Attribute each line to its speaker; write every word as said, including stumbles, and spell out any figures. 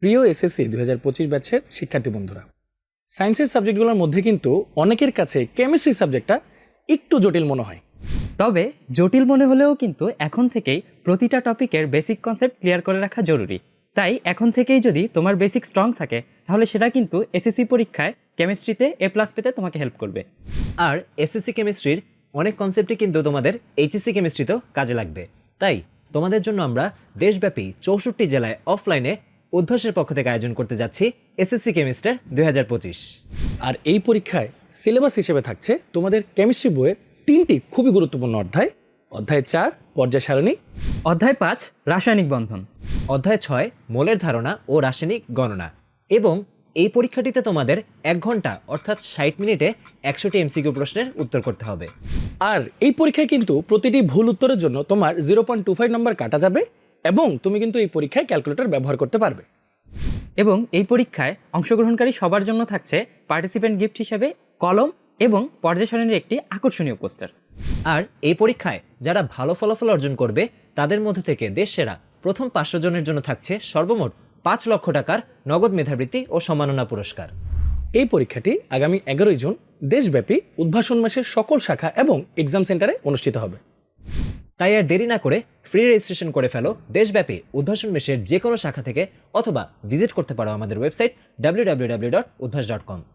Speaker 1: প্রিয় এসএসসি দুই হাজার পঁচিশ ব্যাচের শিক্ষার্থী বন্ধুরা, সায়েন্সের সাবজেক্টগুলোর মধ্যে কিন্তু অনেকের কাছে কেমিস্ট্রি সাবজেক্টটা একটু জটিল মনে হয়।
Speaker 2: তবে জটিল মনে হলেও কিন্তু এখন থেকেই প্রতিটা টপিকের বেসিক কনসেপ্ট ক্লিয়ার করে রাখা জরুরি। তাই এখন থেকেই যদি তোমার বেসিক স্ট্রং থাকে তাহলে সেটা কিন্তু এসএসসি পরীক্ষায় কেমিস্ট্রিতে এ প্লাস পেতে তোমাকে হেল্প করবে।
Speaker 3: আর এসএসসি কেমিস্ট্রির অনেক কনসেপ্টই কিন্তু তোমাদের এইচএসসি কেমিস্ট্রিতেও কাজে লাগবে। তাই তোমাদের জন্য আমরা দেশব্যাপী চৌষট্টি জেলায় অফলাইনে উদ্ভাসের পক্ষ থেকে আয়োজন করতে যাচ্ছি এসএসসি কেমিস্টার দুই হাজার পঁচিশ।
Speaker 1: আর এই পরীক্ষায় সিলেবাস হিসেবে থাকছে তোমাদের কেমিস্ট্রি বইয়ের তিনটি খুবই গুরুত্বপূর্ণ অধ্যায়। অধ্যায় চার পর্যায় সারণী,
Speaker 2: অধ্যায় পাঁচ রাসায়নিক বন্ধন,
Speaker 3: অধ্যায় ছয় মোলের ধারণা ও রাসায়নিক গণনা। এবং এই পরীক্ষাটিতে তোমাদের এক ঘন্টা অর্থাৎ ষাট মিনিটে একশোটি এমসিকিউ প্রশ্নের উত্তর করতে হবে।
Speaker 1: আর এই পরীক্ষায় কিন্তু প্রতিটি ভুল উত্তরের জন্য তোমার zero point two five number কাটা যাবে এবং তুমি কিন্তু এই পরীক্ষায় ক্যালকুলেটর ব্যবহার করতে পারবে।
Speaker 2: এবং এই পরীক্ষায় অংশগ্রহণকারী সবার জন্য থাকছে পার্টিসিপেন্ট গিফট হিসেবে কলম এবং পর্যায় সারণীর একটি আকর্ষণীয় পোস্টার।
Speaker 3: আর এই পরীক্ষায় যারা ভালো ফলাফল অর্জন করবে তাদের মধ্যে থেকে দেশ সেরা প্রথম পাঁচশো জনের জন্য থাকছে সর্বমোট পাঁচ লক্ষ টাকার নগদ মেধাবৃত্তি ও সম্মাননা পুরস্কার।
Speaker 1: এই পরীক্ষাটি আগামী এগারোই জুন দেশব্যাপী উদ্ভাসন মাসের সকল শাখা এবং এক্সাম সেন্টারে অনুষ্ঠিত হবে।
Speaker 3: তাই আর দেরি না করে ফ্রি রেজিস্ট্রেশন করে ফেলো দেশব্যাপী উদ্ভাসন মেশের যে কোনো শাখা থেকে, অথবা ভিজিট করতে পারো আমাদের website W W W dot Udvash dot কম।